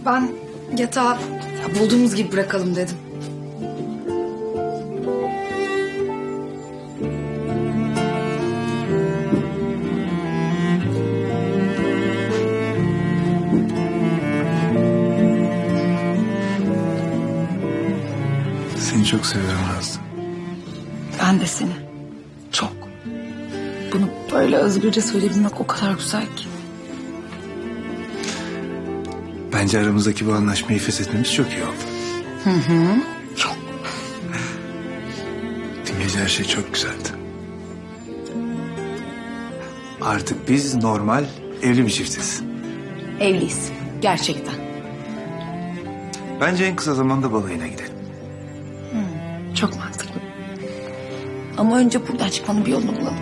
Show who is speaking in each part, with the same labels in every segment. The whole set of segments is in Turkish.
Speaker 1: Ben yatağı bulduğumuz gibi bırakalım dedim.
Speaker 2: Seni çok seviyorum Nazlı.
Speaker 1: Ben de seni. Çok. Bunu böyle özgürce söyleyebilmek o kadar güzel ki.
Speaker 2: Bence aramızdaki bu anlaşmayı feshetmemiz çok iyi oldu.
Speaker 1: Çok.
Speaker 2: Dün gece her şey çok güzeldi. Artık biz normal evli bir çiftiz.
Speaker 1: Evliyiz. Gerçekten.
Speaker 2: Bence en kısa zamanda balayına gidelim.
Speaker 1: Çok mantıklı. Ama önce buradan çıkmanın bir yolunu bulalım.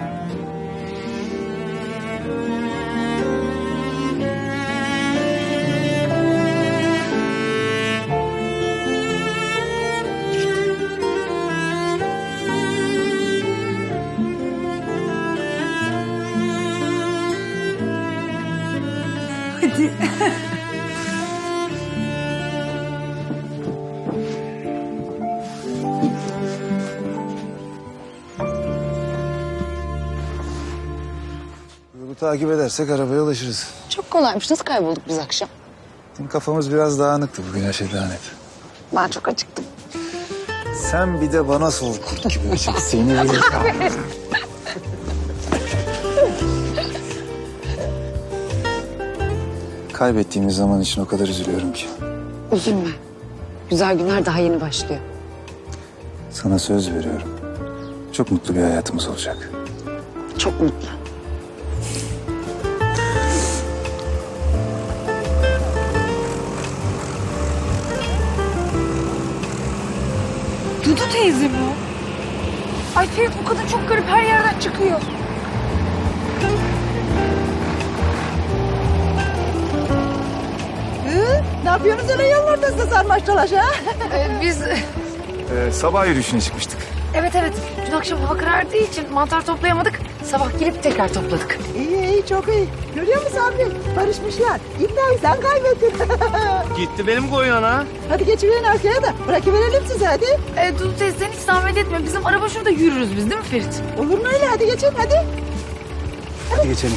Speaker 1: Hadi.
Speaker 2: Yolu takip edersek arabaya ulaşırız.
Speaker 3: Çok kolaymış. Nasıl kaybolduk biz akşam?
Speaker 2: Dün kafamız biraz dağınıktı, bugün her şey daha net.
Speaker 3: Ben çok acıktım.
Speaker 2: Sen bir de bana sor kurt gibi. Seni bile... Kaybettiğimiz zaman için o kadar üzülüyorum ki.
Speaker 3: Üzülme. Güzel günler daha yeni başlıyor.
Speaker 2: Sana söz veriyorum. Çok mutlu bir hayatımız olacak.
Speaker 3: Çok mutlu.
Speaker 1: Dudu teyze bu. Ay Ferit, bu kadın çok garip, her yerden çıkıyor.
Speaker 4: Ne yapıyorsunuz öyle yollarda sarmaş dolaş ha?
Speaker 1: Biz...
Speaker 2: Sabah yürüyüşüne çıkmıştık.
Speaker 1: Evet. Dün akşam hava karardığı için mantar toplayamadık. Sabah gelip tekrar topladık.
Speaker 4: İyi çok iyi. Görüyor musun abi? Barışmışlar. İddiayı sen kaybettin.
Speaker 5: Gitti benim koyun ha.
Speaker 4: Hadi geçiverin arkaya da bırakıverelim sizi hadi.
Speaker 1: Dudu teyze sen hiç zahmet etme. Bizim araba şurada, yürürüz biz, değil mi Ferit?
Speaker 4: Olur mu öyle? Hadi geçin hadi.
Speaker 2: Hadi geçelim.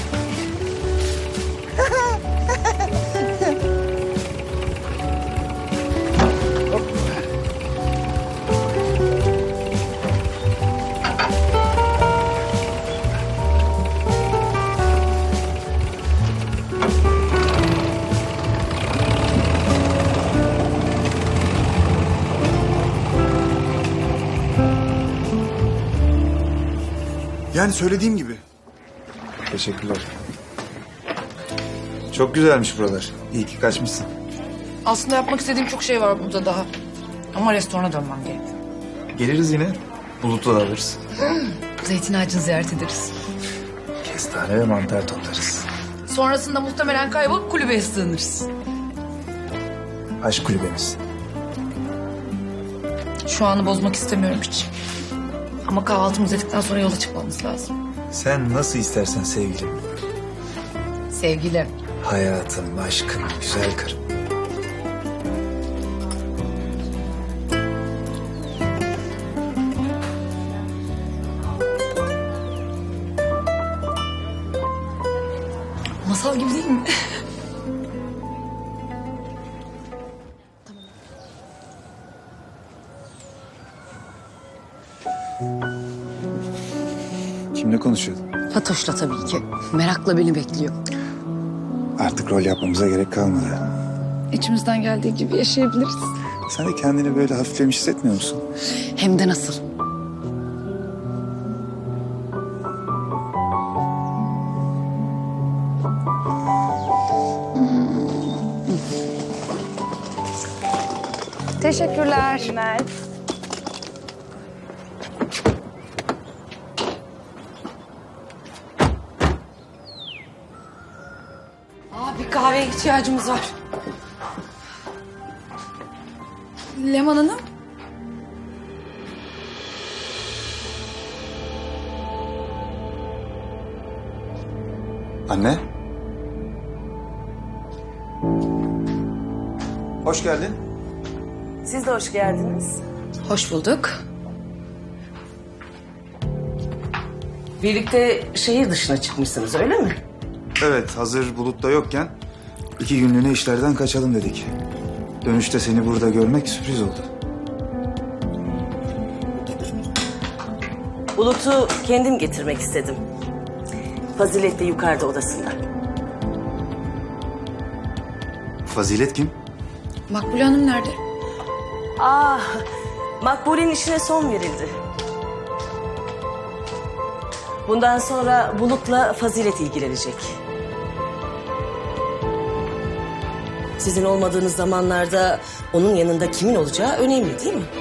Speaker 2: Yani söylediğim gibi. Teşekkürler. Çok güzelmiş buralar. İyi ki kaçmışsın.
Speaker 1: Aslında yapmak istediğim çok şey var burada daha. Ama restorana dönmem gerek.
Speaker 2: Geliriz yine. Bulut'u da alırız.
Speaker 1: Zeytin ağacını ziyaret ederiz.
Speaker 2: Kestane ve mantar toplarız.
Speaker 1: Sonrasında muhtemelen kaybolup kulübeye sığınırız.
Speaker 2: Aşk kulübemiz.
Speaker 1: Şu anı bozmak istemiyorum hiç. Ama kahvaltımızı ettikten sonra yola çıkmamız lazım.
Speaker 2: Sen nasıl istersen sevgilim.
Speaker 1: Sevgili.
Speaker 2: Hayatım, aşkım, güzel karım.
Speaker 1: Masal gibi değil mi?
Speaker 2: Kimle konuşuyordun?
Speaker 3: Fatoş'la tabii ki. Merakla beni bekliyor.
Speaker 2: Artık rol yapmamıza gerek kalmadı.
Speaker 1: İçimizden geldiği gibi yaşayabiliriz.
Speaker 2: Sen de kendini böyle hafiflemiş hissetmiyor musun?
Speaker 3: Hem de nasıl. Teşekkürler.
Speaker 1: Bir kahveye ihtiyacımız var. Leman Hanım.
Speaker 2: Anne? Hoş geldin.
Speaker 6: Siz de hoş geldiniz.
Speaker 1: Hoş bulduk.
Speaker 6: Birlikte şehir dışına çıkmışsınız öyle mi?
Speaker 2: Evet, hazır Bulut'ta yokken 2 günlüğüne işlerden kaçalım dedik. Dönüşte seni burada görmek sürpriz oldu.
Speaker 6: Bulut'u kendim getirmek istedim. Fazilet de yukarıda odasında.
Speaker 2: Fazilet kim?
Speaker 1: Makbule Hanım nerede?
Speaker 6: Makbule'nin işine son verildi. Bundan sonra Bulut'la Fazilet ilgilenecek. Sizin olmadığınız zamanlarda onun yanında kimin olacağı önemli değil mi?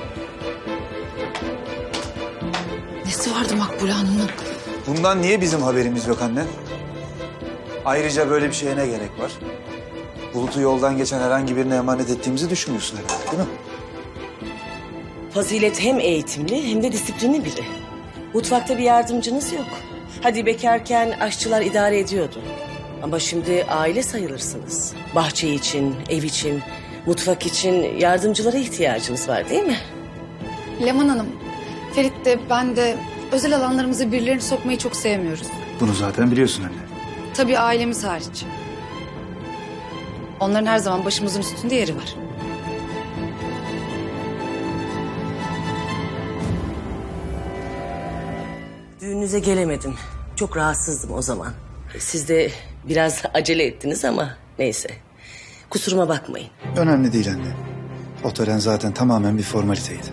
Speaker 1: Nesi vardı Makbule Hanım'ın?
Speaker 2: Bundan niye bizim haberimiz yok anne? Ayrıca böyle bir şeye ne gerek var? Bulut'u yoldan geçen herhangi birine emanet ettiğimizi düşünmüyorsun herhalde, değil mi?
Speaker 6: Fazilet hem eğitimli hem de disiplinli biri. Mutfakta bir yardımcınız yok. Hadi bekarken aşçılar idare ediyordu. Ama şimdi aile sayılırsınız. Bahçe için, ev için, mutfak için yardımcılara ihtiyacınız var değil mi?
Speaker 1: Leman Hanım, Ferit de ben de özel alanlarımıza birilerini sokmayı çok sevmiyoruz.
Speaker 2: Bunu zaten biliyorsun anne.
Speaker 1: Tabii ailemiz hariç. Onların her zaman başımızın üstünde yeri var.
Speaker 6: Düğününüze gelemedim. Çok rahatsızdım o zaman. Siz de biraz acele ettiniz ama neyse. Kusuruma bakmayın.
Speaker 2: Önemli değil anne. O tören zaten tamamen bir formaliteydi.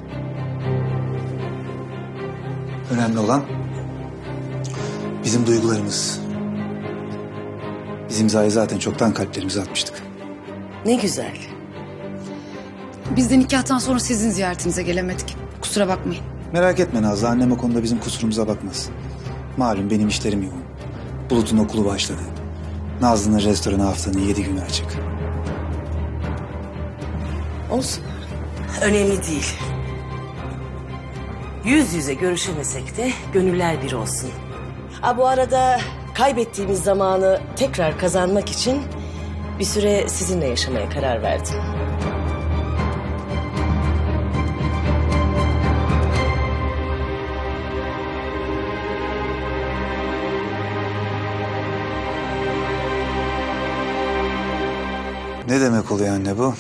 Speaker 2: Önemli olan bizim duygularımız. Biz imzayı zaten çoktan kalplerimize atmıştık.
Speaker 6: Ne güzel.
Speaker 1: Biz de nikahtan sonra sizin ziyaretinize gelemedik. Kusura bakmayın.
Speaker 2: Merak etme Nazlı, annem o konuda bizim kusurumuza bakmaz. Malum benim işlerim yoğun. Bulut'un okulu başladı. Nazlı'nın restoranı haftanın 7 günü açık.
Speaker 6: Olsun. Önemli değil. Yüz yüze görüşemesek de gönüller bir olsun. Bu arada kaybettiğimiz zamanı tekrar kazanmak için bir süre sizinle yaşamaya karar verdim.
Speaker 2: Ne demek oluyor anne bu?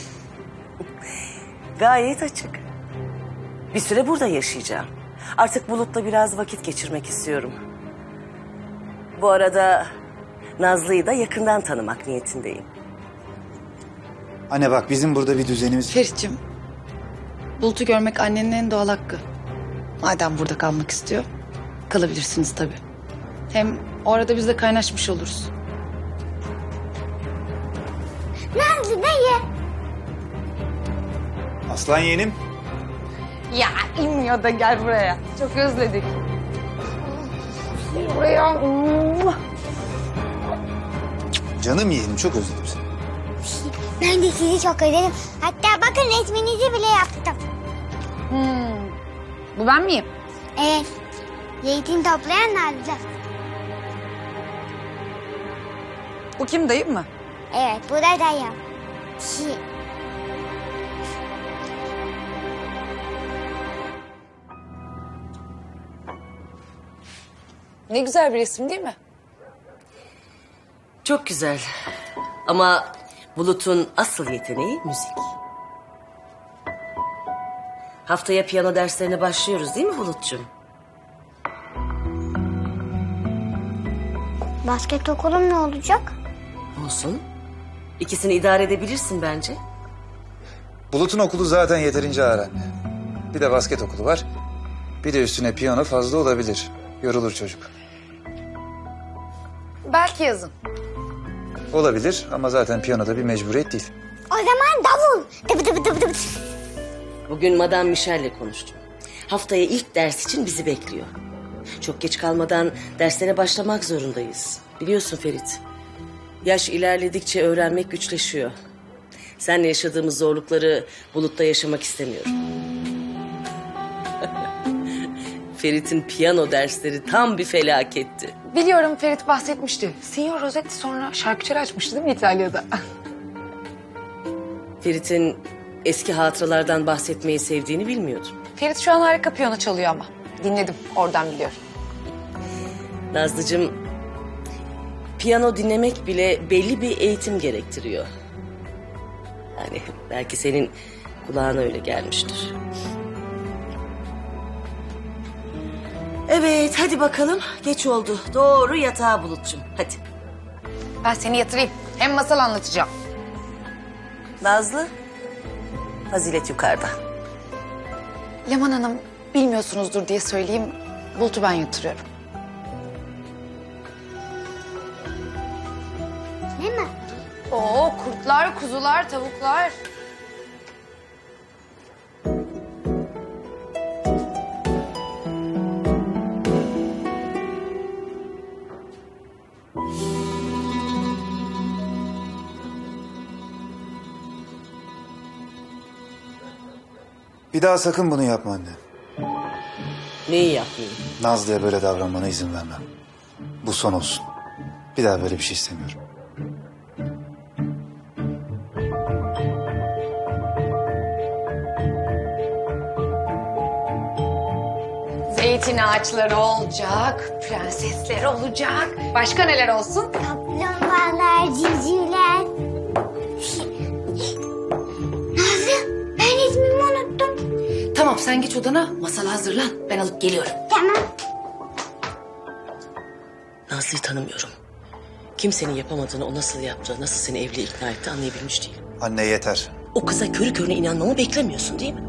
Speaker 6: Gayet açık. Bir süre burada yaşayacağım. Artık Bulut'la biraz vakit geçirmek istiyorum. Bu arada Nazlı'yı da yakından tanımak niyetindeyim.
Speaker 2: Anne bak, bizim burada bir düzenimiz...
Speaker 1: Ferit'ciğim, Bulut'u görmek annenin en doğal hakkı. Madem burada kalmak istiyor, kalabilirsiniz tabii. Hem o arada biz de kaynaşmış oluruz.
Speaker 7: Nazlı dayı.
Speaker 2: Aslan yeğenim.
Speaker 1: Ya inmiyor da gel buraya. Çok özledik. Gel buraya.
Speaker 2: Canım yeğenim, çok özledim seni.
Speaker 7: Ben de sizi çok özledim. Hatta bakın resminizi bile yaptım.
Speaker 1: Bu ben miyim?
Speaker 7: Evet. Zeytin toplayan Nazlı.
Speaker 1: Bu kim, dayım mı?
Speaker 7: Evet, bu da dayım.
Speaker 1: Ne güzel bir resim değil mi?
Speaker 6: Çok güzel. Ama Bulut'un asıl yeteneği müzik. Haftaya piyano derslerine başlıyoruz değil mi Bulut'cum?
Speaker 7: Basket okulum ne olacak?
Speaker 6: Olsun. İkisini idare edebilirsin bence.
Speaker 2: Bulut'un okulu zaten yeterince ağır anne. Bir de basket okulu var. Bir de üstüne piyano fazla olabilir. Yorulur çocuk.
Speaker 1: Belki yazın.
Speaker 2: Olabilir ama zaten piyanoda bir mecburiyet değil.
Speaker 7: O zaman davul. Dıbı dıbı dıbı dıbı.
Speaker 6: Bugün Madame Michel'le konuştum. Haftaya ilk ders için bizi bekliyor. Çok geç kalmadan derslere başlamak zorundayız. Biliyorsun Ferit. Yaş ilerledikçe öğrenmek güçleşiyor. Seninle yaşadığımız zorlukları Bulut'ta yaşamak istemiyorum. Ferit'in piyano dersleri tam bir felaketti.
Speaker 1: Biliyorum, Ferit bahsetmişti. Signor Rossetti sonra şarküteri açmıştı değil mi İtalya'da?
Speaker 6: Ferit'in eski hatıralardan bahsetmeyi sevdiğini bilmiyordum.
Speaker 3: Ferit şu an harika piyano çalıyor ama. Dinledim, oradan biliyorum.
Speaker 6: Nazlıcığım, piyano dinlemek bile belli bir eğitim gerektiriyor. Yani belki senin kulağına öyle gelmiştir. Evet, hadi bakalım. Geç oldu. Doğru yatağa Bulut'cum. Hadi.
Speaker 3: Ben seni yatırayım. Hem masal anlatacağım.
Speaker 6: Nazlı, Fazilet yukarıda.
Speaker 1: Leman Hanım bilmiyorsunuzdur diye söyleyeyim. Bulut'u ben yatırıyorum.
Speaker 7: Değil mi?
Speaker 3: Oo, kurtlar, kuzular, tavuklar.
Speaker 2: Bir daha sakın bunu yapma anne.
Speaker 6: Neyi yapmayayım?
Speaker 2: Nazlı'ya böyle davranmana izin vermem. Bu son olsun. Bir daha böyle bir şey istemiyorum.
Speaker 3: Zeytin ağaçları olacak, prensesler olacak. Başka neler olsun?
Speaker 7: Kaplumbağalar, civcivler. Nazlı, ben ismimi unuttum.
Speaker 1: Tamam sen geç odana, masal hazırlan. Ben alıp geliyorum.
Speaker 7: Tamam.
Speaker 6: Nazlı'yı tanımıyorum. Kimsenin yapamadığını o nasıl yaptı, nasıl seni evliliğe ikna etti anlayabilmiş değilim.
Speaker 2: Anne yeter.
Speaker 6: O kıza körü körüne inanmamı beklemiyorsun değil mi?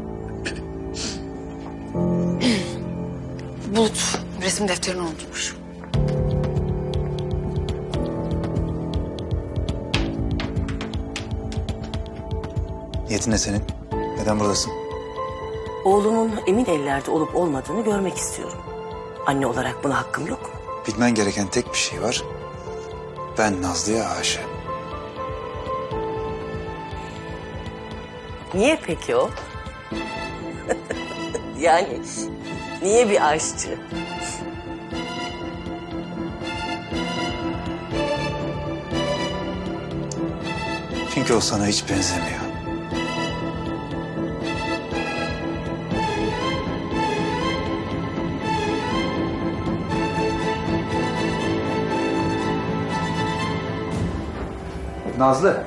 Speaker 1: Bulut resim defterini unutmuş.
Speaker 2: Niyetin ne senin? Neden buradasın?
Speaker 6: Oğlumun emin ellerde olup olmadığını görmek istiyorum. Anne olarak buna hakkım yok mu?
Speaker 2: Bilmen gereken tek bir şey var. Ben Nazlı'ya aşığım.
Speaker 6: Niye peki o? Yani niye bir aşçı?
Speaker 2: Çünkü o sana hiç benzemiyor. Nazlı.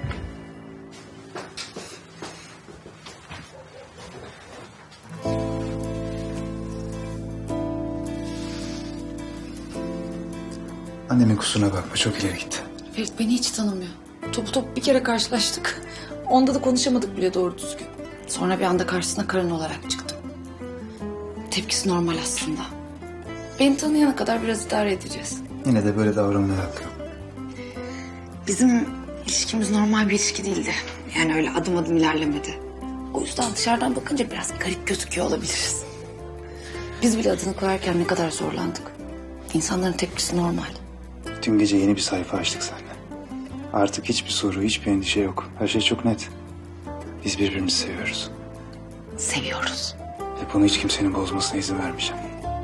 Speaker 2: Annemin kusuruna bakma, çok ileri gitti.
Speaker 1: Ferit beni hiç tanımıyor. Topu top bir kere karşılaştık. Onda da konuşamadık bile doğru düzgün. Sonra bir anda karşısına karın olarak çıktım. Tepkisi normal aslında. Beni tanıyana kadar biraz idare edeceğiz.
Speaker 2: Yine de böyle davranmaya hakkı yok.
Speaker 1: Bizim ilişkimiz normal bir ilişki değildi. Yani öyle adım adım ilerlemedi. O yüzden dışarıdan bakınca biraz garip gözüküyor olabiliriz. Biz bile adını koyarken ne kadar zorlandık. İnsanların tepkisi normal.
Speaker 2: Dün gece yeni bir sayfa açtık seninle. Artık hiçbir soru, hiçbir endişe yok. Her şey çok net. Biz birbirimizi seviyoruz.
Speaker 1: Seviyoruz.
Speaker 2: Ve bunu hiç kimsenin bozmasına izin vermeyeceğim.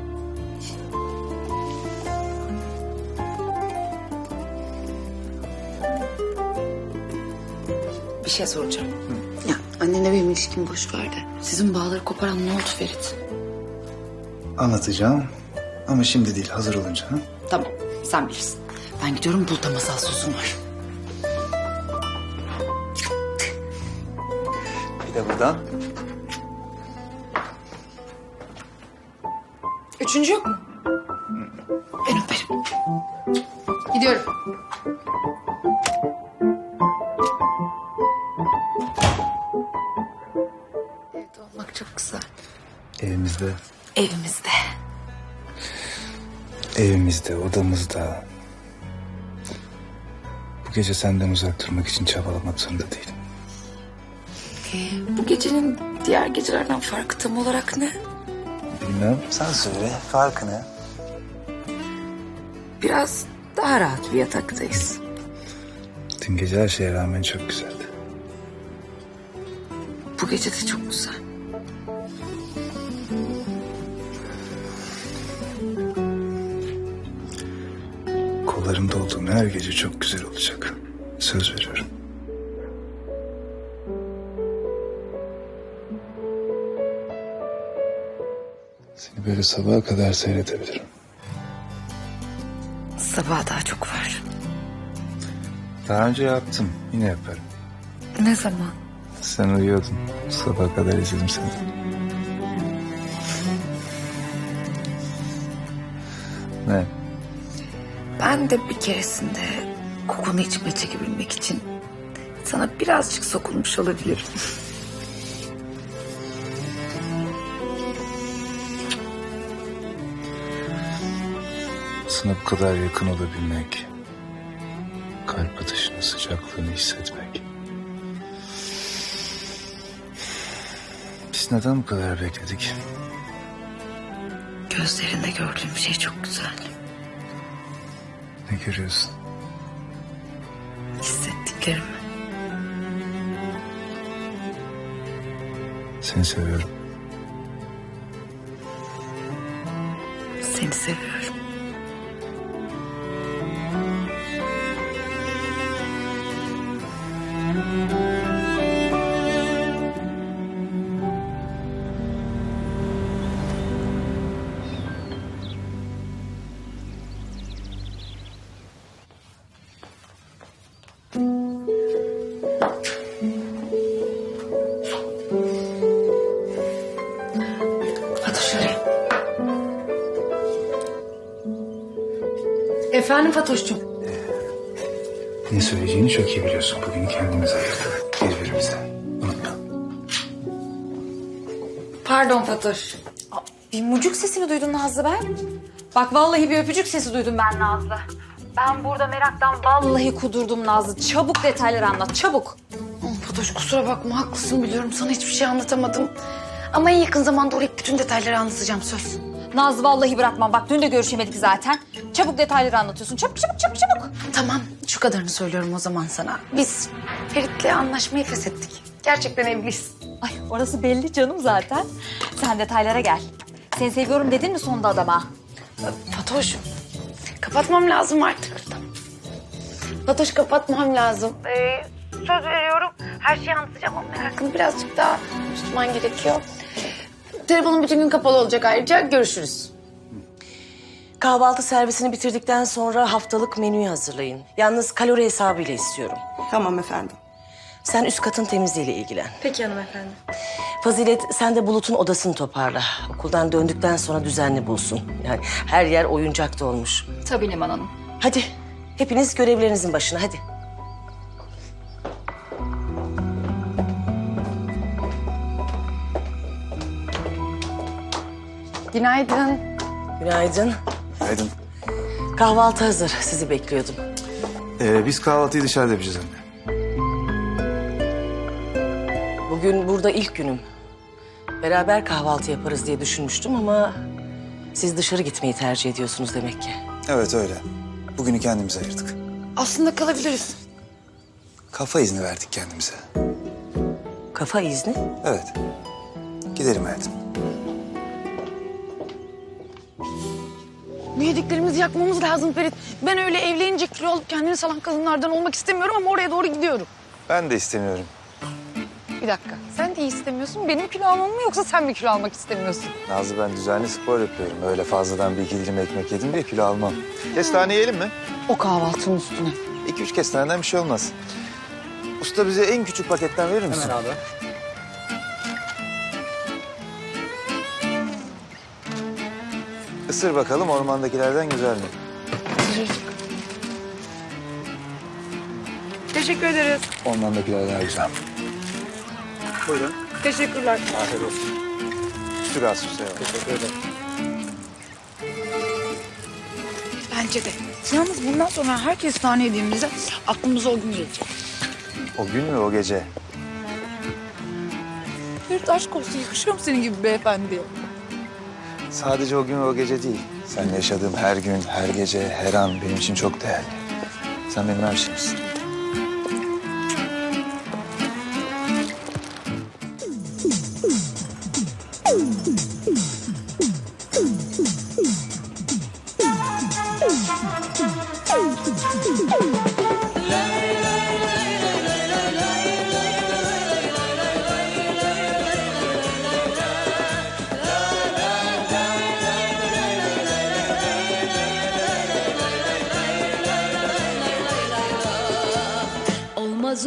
Speaker 1: Bir şey soracağım. Ya annenle benim ilişkimi boş ver de. Sizin bağları koparan ne oldu Ferit?
Speaker 2: Anlatacağım ama şimdi değil, hazır olunca. Ha?
Speaker 1: Tamam sen bilirsin. Ben gidiyorum Bulut'a masal sözüm var.
Speaker 2: Bir de buradan.
Speaker 1: Üçüncü yok mu? Ben öperim. Gidiyorum. Evde olmak çok güzel.
Speaker 2: Evimizde,
Speaker 1: Evimizde.
Speaker 2: evimizde, odamızda. Bu gece senden uzak durmak için çabalamak zorunda değilim.
Speaker 1: Bu gecenin diğer gecelerden farkı tam olarak ne?
Speaker 2: Bilmem. Sen söyle, farkı ne?
Speaker 1: Biraz daha rahat bir yataktayız.
Speaker 2: Dün gece her şeye rağmen çok güzeldi.
Speaker 1: Bu gece de çok güzel.
Speaker 2: Kollarımda olduğum her gece çok güzel olacak. Söz veriyorum. Seni böyle sabaha kadar seyredebilirim.
Speaker 1: Sabaha daha çok var.
Speaker 2: Daha önce yaptım. Yine yaparım.
Speaker 1: Ne zaman?
Speaker 2: Sen uyuyordun. Sabaha kadar izledim seni. Ne?
Speaker 1: Ben de bir keresinde kokunu içime çekebilmek için sana birazcık sokulmuş olabilirim.
Speaker 2: Sana bu kadar yakın olabilmek. Kalp atışının sıcaklığını hissetmek. Biz neden bu kadar bekledik?
Speaker 1: Gözlerinde gördüğüm şey çok güzel.
Speaker 2: Ne görüyorsun?
Speaker 1: Hissettiklerimi.
Speaker 2: Seni seviyorum.
Speaker 1: Seni seviyorum. Hadi şuraya. Efendim Fatoş'cum.
Speaker 2: Ne söyleyeceğini çok iyi biliyorsun. Bugün kendimize ayırdık. Birbirimizden. Unutma.
Speaker 1: Pardon Fatoş.
Speaker 8: Bir mucuk sesi mi duydun Nazlı ben? Bak vallahi bir öpücük sesi duydum ben Nazlı. Ben burada meraktan vallahi kudurdum Nazlı. Çabuk detayları anlat, çabuk.
Speaker 1: Fatoş kusura bakma haklısın biliyorum sana hiçbir şey anlatamadım. Ama en yakın zamanda oraya bütün detayları anlatacağım söz.
Speaker 8: Nazlı vallahi bırakmam. Bak dün de görüşemedik zaten. Çabuk detayları anlatıyorsun. Çabuk, çabuk, çabuk, çabuk.
Speaker 1: Tamam şu kadarını söylüyorum o zaman sana. Biz Ferit'le anlaşmayı feshettik. Gerçekten evliyiz.
Speaker 8: Ay orası belli canım zaten. Sen detaylara gel. Seni seviyorum dedin mi sonunda adama?
Speaker 1: Fatoş kapatmam lazım artık. Fatoş kapatmam lazım. Söz veriyorum her şeyi anlatacağım ama merakını birazcık daha tutman gerekiyor. Telefonum bütün gün kapalı olacak ayrıca görüşürüz.
Speaker 6: Kahvaltı servisini bitirdikten sonra haftalık menüyü hazırlayın. Yalnız kalori hesabıyla istiyorum.
Speaker 4: Tamam efendim.
Speaker 6: Sen üst katın temizliğiyle ilgilen.
Speaker 8: Peki hanımefendi.
Speaker 6: Fazilet sen de Bulut'un odasını toparla. Okuldan döndükten sonra düzenli bulsun. Yani her yer oyuncak dolmuş.
Speaker 8: Tabii Leman Hanım.
Speaker 6: Hadi hepiniz görevlerinizin başına hadi.
Speaker 1: Günaydın.
Speaker 6: Günaydın.
Speaker 2: Günaydın.
Speaker 6: Kahvaltı hazır. Sizi bekliyordum.
Speaker 2: Biz kahvaltıyı dışarıda yapacağız anne.
Speaker 6: Bugün burada ilk günüm. Beraber kahvaltı yaparız diye düşünmüştüm ama siz dışarı gitmeyi tercih ediyorsunuz demek ki.
Speaker 2: Evet öyle. Bugünü kendimize ayırdık.
Speaker 1: Aslında kalabiliriz.
Speaker 2: Kafa izni verdik kendimize.
Speaker 6: Kafa izni.
Speaker 2: Evet. Gidelim hayatım.
Speaker 1: Bu yediklerimizi yakmamız lazım Ferit. Ben öyle evlenince kilo alıp kendini salan kadınlardan olmak istemiyorum ama oraya doğru gidiyorum.
Speaker 2: Ben de istemiyorum.
Speaker 1: Bir dakika. Sen de iyi istemiyorsun. Benim kilo almam mı yoksa sen mi kilo almak istemiyorsun?
Speaker 2: Nazlı ben düzenli spor yapıyorum. Öyle fazladan bir iki dilim ekmek yedim diye kilo almam. Kestane yiyelim mi?
Speaker 1: O kahvaltının üstüne.
Speaker 2: 2-3 kestaneden bir şey olmaz. Usta bize en küçük paketten verir misin?
Speaker 5: Hemen abi.
Speaker 2: Isır bakalım ormandakilerden güzel mi?
Speaker 1: Teşekkür ederiz.
Speaker 2: Ormandakiler daha güzel. Buyurun.
Speaker 1: Teşekkürler.
Speaker 2: Afiyet olsun. Süt az süse var.
Speaker 5: Teşekkür ederim.
Speaker 1: Bence de. Yalnız bundan sonra her kestane yediğimizde aklımıza o gün gelecek.
Speaker 2: O gün mü o gece?
Speaker 1: Ferit aşk olsun yakışıyor mu senin gibi beyefendiye?
Speaker 2: Sadece o gün ve o gece değil. Seninle yaşadığım her gün, her gece, her an benim için çok değerli. Sen benim her şeyimsin.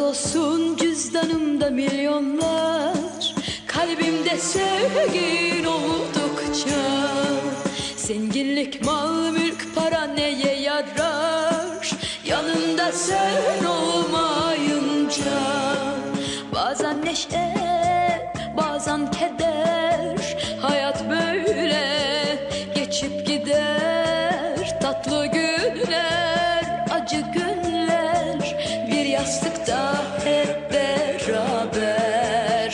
Speaker 9: olsun cüzdanımda milyonlar, kalbimde sevgin oldukça. Zenginlik, mal, mülk, para neye yarar yanında sen olmayınca? Bazen neşe, bazen keder, hayat böyle geçip gider. Tatlı günler, acı günler, bir yastıkta hep beraber.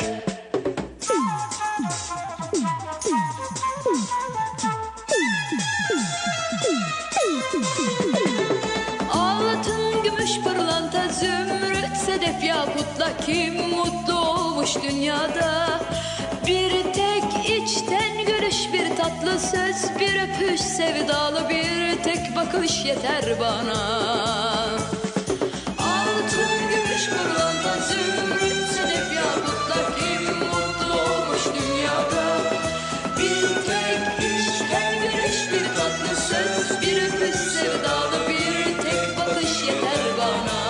Speaker 9: Altın, gümüş, pırlanta, zümrüt, sedef, yakutla kim mutlu olmuş dünyada? Bir tek içten gülüş, bir tatlı söz, bir öpüş, sevdalı bir tek bakış yeter bana. Altın, gümüş, pırlanta, zümrüt, sedef, yakutla kim mutlu olmuş dünyada? Bir tek içten gülüş, bir tatlı söz, bir öpüş, sevdalı bir tek bakış yeter bana.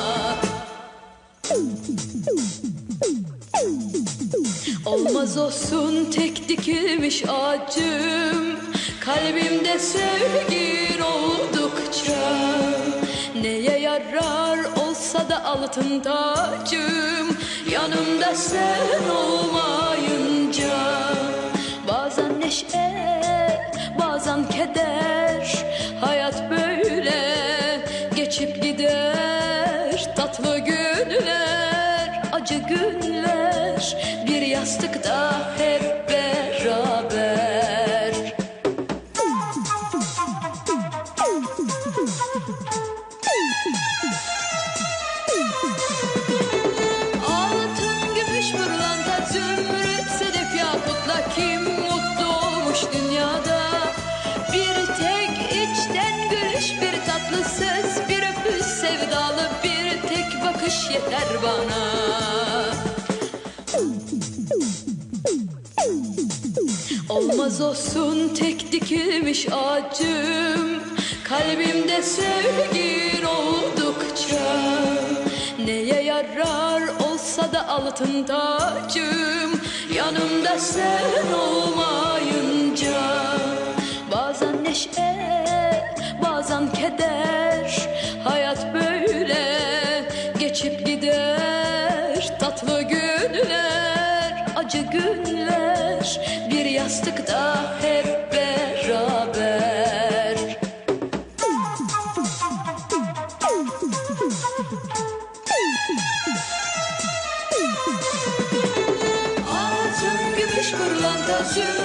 Speaker 9: Olmaz olsun tek dikilmiş ağacım, kalbimde sevgin oldukça. Neye yarar olsa da altın tacım, yanımda sen olmayınca. Bazen neşe, bazen keder, hayat böyle geçip gider. Tatlı günler, acı günler, bir yastıkta hep beraber. Altın, gümüş, pırlanta, zümrüt, sedef, yakutla kim mutlu olmuş dünyada? Bir tek içten gülüş, bir tatlı söz, bir öpüş, sevdalı bir tek bakış yeter bana. Olmaz olsun tek dikilmiş ağacım, kalbimde sevgin oldukça. Neye yarar olsa da altın tacım, yanımda sen olmayınca. Bazen neşe, bazen keder, hayat böyle geçip gider. Tatlı günler, acı günler, bir yastıkta hep beraber. Altın, gümüş, pırlanta, zümrüt,